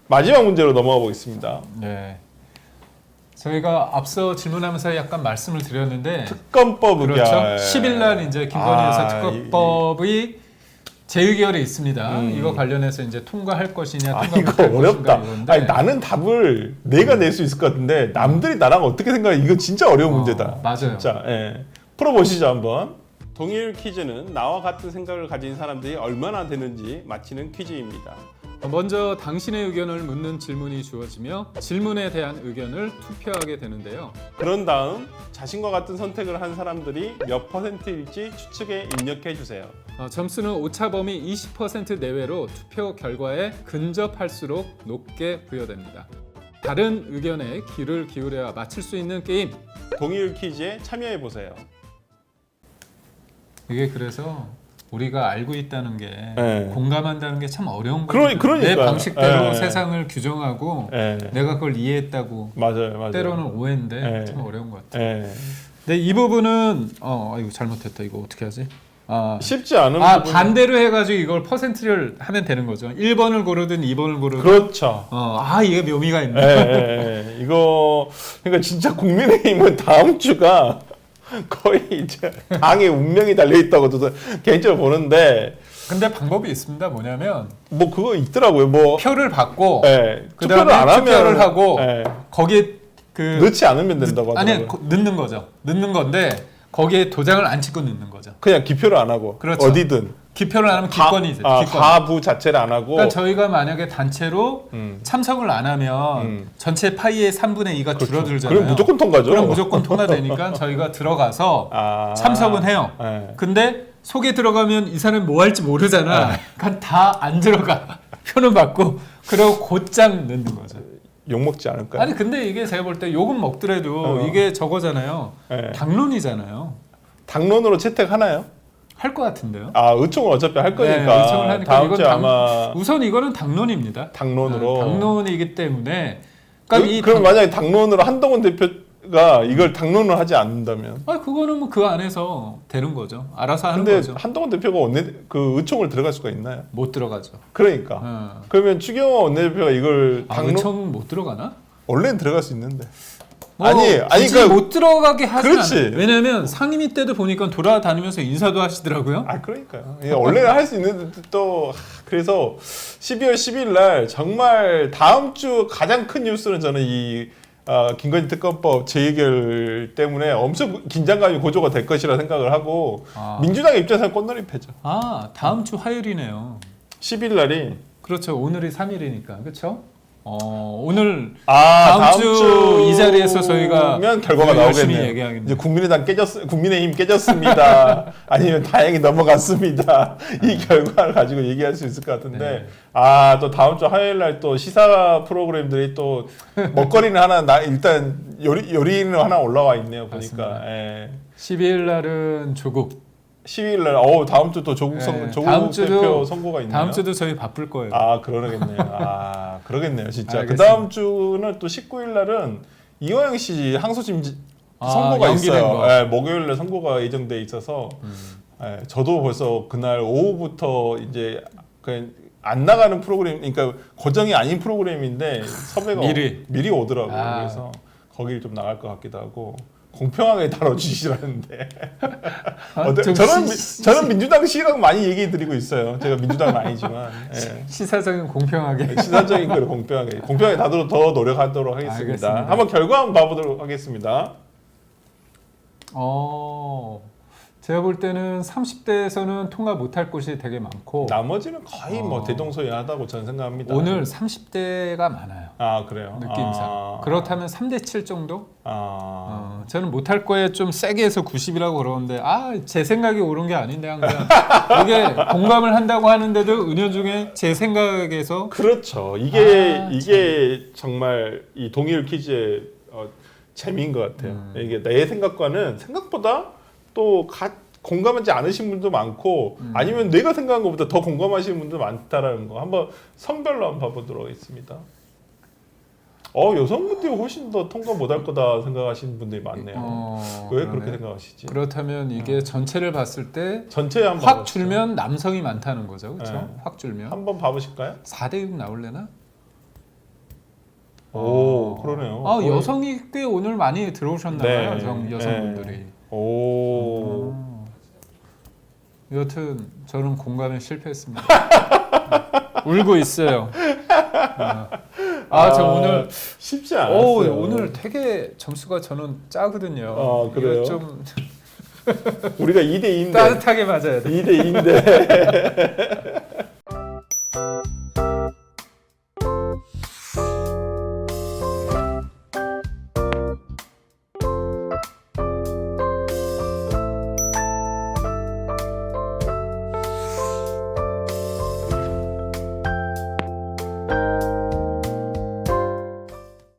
마지막 문제로 넘어가 보겠습니다. 네. 저희가 앞서 질문하면서 약간 말씀을 드렸는데 특검법 그렇죠. 의결. 10일 날 이제 김건희 여사 특검법이 재의결이 있습니다. 이거 관련해서 이제 통과할 것이냐, 통과 이거 못할 어렵다. 것인가 이건데. 아니 나는 답을 내가 낼 수 있을 것 같은데 남들이 나랑 어떻게 생각해? 이거 진짜 어려운 문제다. 맞아요. 진짜. 예. 풀어보시죠 한번. 동일 퀴즈는 나와 같은 생각을 가진 사람들이 얼마나 되는지 맞히는 퀴즈입니다. 먼저 당신의 의견을 묻는 질문이 주어지며 질문에 대한 의견을 투표하게 되는데요. 그런 다음 자신과 같은 선택을 한 사람들이 몇 %일지 추측에 입력해 주세요. 점수는 오차범위 20% 내외로 투표 결과에 근접할수록 높게 부여됩니다. 다른 의견에 귀를 기울여야 맞출 수 있는 게임. 동일 퀴즈에 참여해 보세요. 이게 그래서 우리가 알고 있다는 게 네. 공감한다는 게 참 어려운 거예요. 그러니까요. 내 방식대로 네. 세상을 규정하고 네. 내가 그걸 이해했다고 맞아요. 때로는 오해인데 네. 참 어려운 것 같아요. 예. 근데 이 부분은 이거 잘못했다. 이거 어떻게 하지? 쉽지 않은 부분. 반대로 해가지고 이걸 퍼센트를 하면 되는 거죠. 1번을 고르든 2번을 고르든. 그렇죠. 이게 묘미가 있네. 이거 그러니까 진짜 국민의힘은 다음 주가 거의 이제 당의 운명이 달려 있다고 저도 개인적으로 보는데 근데 방법이 있습니다. 뭐냐면 뭐 그거 있더라고요. 뭐 표를 받고 투표를 그다음에 안 하면 투표를 하고 예. 거기에 넣지 않으면 된다고 하더라고요. 넣는 거죠. 넣는 건데 거기에 도장을 안 찍고 넣는 거죠. 그냥 기표를 안 하고 그렇죠. 어디든 기표를 안 하면 기권이죠. 기권. 가부 자체를 안 하고 그러니까 저희가 만약에 단체로 참석을 안 하면 전체 파이의 3분의 2가 줄어들잖아요. 그럼 무조건 통과죠. 그럼 무조건 통과되니까 저희가 들어가서 참석은 해요. 예. 근데 속에 들어가면 이 사람이 뭐 할지 모르잖아. 그러니까 다 안 들어가. 표는 받고 그리고 곧장 넣는 거죠. 욕 먹지 않을까요? 아니 근데 이게 제가 볼 때 욕은 먹더라도 이게 저거잖아요. 예. 당론이잖아요. 당론으로 채택하나요? 할 것 같은데요. 의총을 어차피 할 거니까. 네, 의총을 하니까 다음 이건 주에 아마 우선 이거는 당론입니다. 당론으로. 당론이기 때문에 그러니까 그럼 만약에 당론으로 한동훈 대표가 이걸 당론을 하지 않는다면. 그거는 뭐 그 안에서 되는 거죠. 알아서 하는 근데 거죠. 한동훈 대표가 그 의총을 들어갈 수가 있나요? 못 들어가죠. 그러니까. 그러면 추경호 원내대표가 이걸 의총 못 들어가나? 원래는 들어갈 수 있는데. 굳이 그러니까 못 들어가게 하지 그렇지. 않아요. 왜냐하면 상임위 때도 보니까 돌아다니면서 인사도 하시더라고요. 그러니까요. 원래는 할 수 있는데 또 그래서 12월 10일 날 정말 다음 주 가장 큰 뉴스는 저는 이 김건희 특검법 재의결 때문에 엄청 긴장감이 고조가 될 것이라 생각을 하고 민주당 입장에서는 꽃놀이패죠. 다음 주 화요일이네요. 10일 날이 그렇죠. 오늘이 3일이니까 그렇죠. 오늘 다음 주 이 자리에서 저희가 결과가 열심히 나오겠네요. 얘기하겠네요. 이제 국민의힘 깨졌습니다. 아니면 다행히 넘어갔습니다. 이 결과를 가지고 얘기할 수 있을 것 같은데 또 다음 주 화요일 날 또 시사 프로그램들이 또 먹거리는 하나 일단 요리는 하나 올라와 있네요. 보니까. 12일 날은 조국. 12일 날 다음 주 또 조국 대표 선거가 있네요. 다음 주도 저희 바쁠 거예요. 그러겠네요. 그러겠네요, 진짜. 알겠습니다. 그 다음 주는 또 19일 날은 이호영 씨 항소심 선고가 있어요. 목요일 날 선고가 예정돼 있어서 저도 벌써 그날 오후부터 이제 그냥 안 나가는 프로그램, 그러니까 고정이 아닌 프로그램인데 섭외가 미리 오더라고요. 그래서 거기를 좀 나갈 것 같기도 하고. 공평하게 다뤄주시라는데 저는 민주당 시각 많이 얘기 드리고 있어요. 제가 민주당은 아니지만 시사적인 공평하게 시사적인 걸 공평하게 다루도록 더 노력하도록 하겠습니다. 알겠습니다. 한번 결과 한번 봐보도록 하겠습니다. 제가 볼 때는 30대에서는 통과 못할 곳이 되게 많고 나머지는 거의 뭐 대동소이하다고 저는 생각합니다. 오늘 30대가 많아요. 그래요? 느낌상. 그렇다면 3대 7 정도? 저는 못할 거에 좀 세게 해서 90이라고 그러는데 제 생각이 옳은 게 아닌데 항상 이게 공감을 한다고 하는데도 은연중에 제 생각에서 그렇죠. 이게 정말 이 동일 퀴즈의 재미인 것 같아요. 이게 내 생각과는 생각보다 또 공감하지 않으신 분도 많고 아니면 내가 생각한 것보다 더 공감하시는 분도 많다라는 거 한번 성별로 한번 봐보도록 하겠습니다. 여성분들이 훨씬 더 통과 못할 거다 생각하시는 분들이 많네요. 왜 그렇게 생각하시지? 그렇다면 이게 전체를 봤을 때 전체 한번 확 줄면 남성이 많다는 거죠. 그렇죠? 확 줄면 한번 봐보실까요? 4대 6 나올래나? 오, 그러네요. 아, 여성이 꽤 오늘 많이 들어오셨나봐요. 네. 여성분들이. 오. 여튼 저는 공감에 실패했습니다. 울고 있어요. 저 오늘 쉽지 않았어요. 오늘 되게 점수가 저는 짜거든요. 그래요? 이거 좀 우리가 2대 2인데 따뜻하게 맞아야 돼. 2대 2인데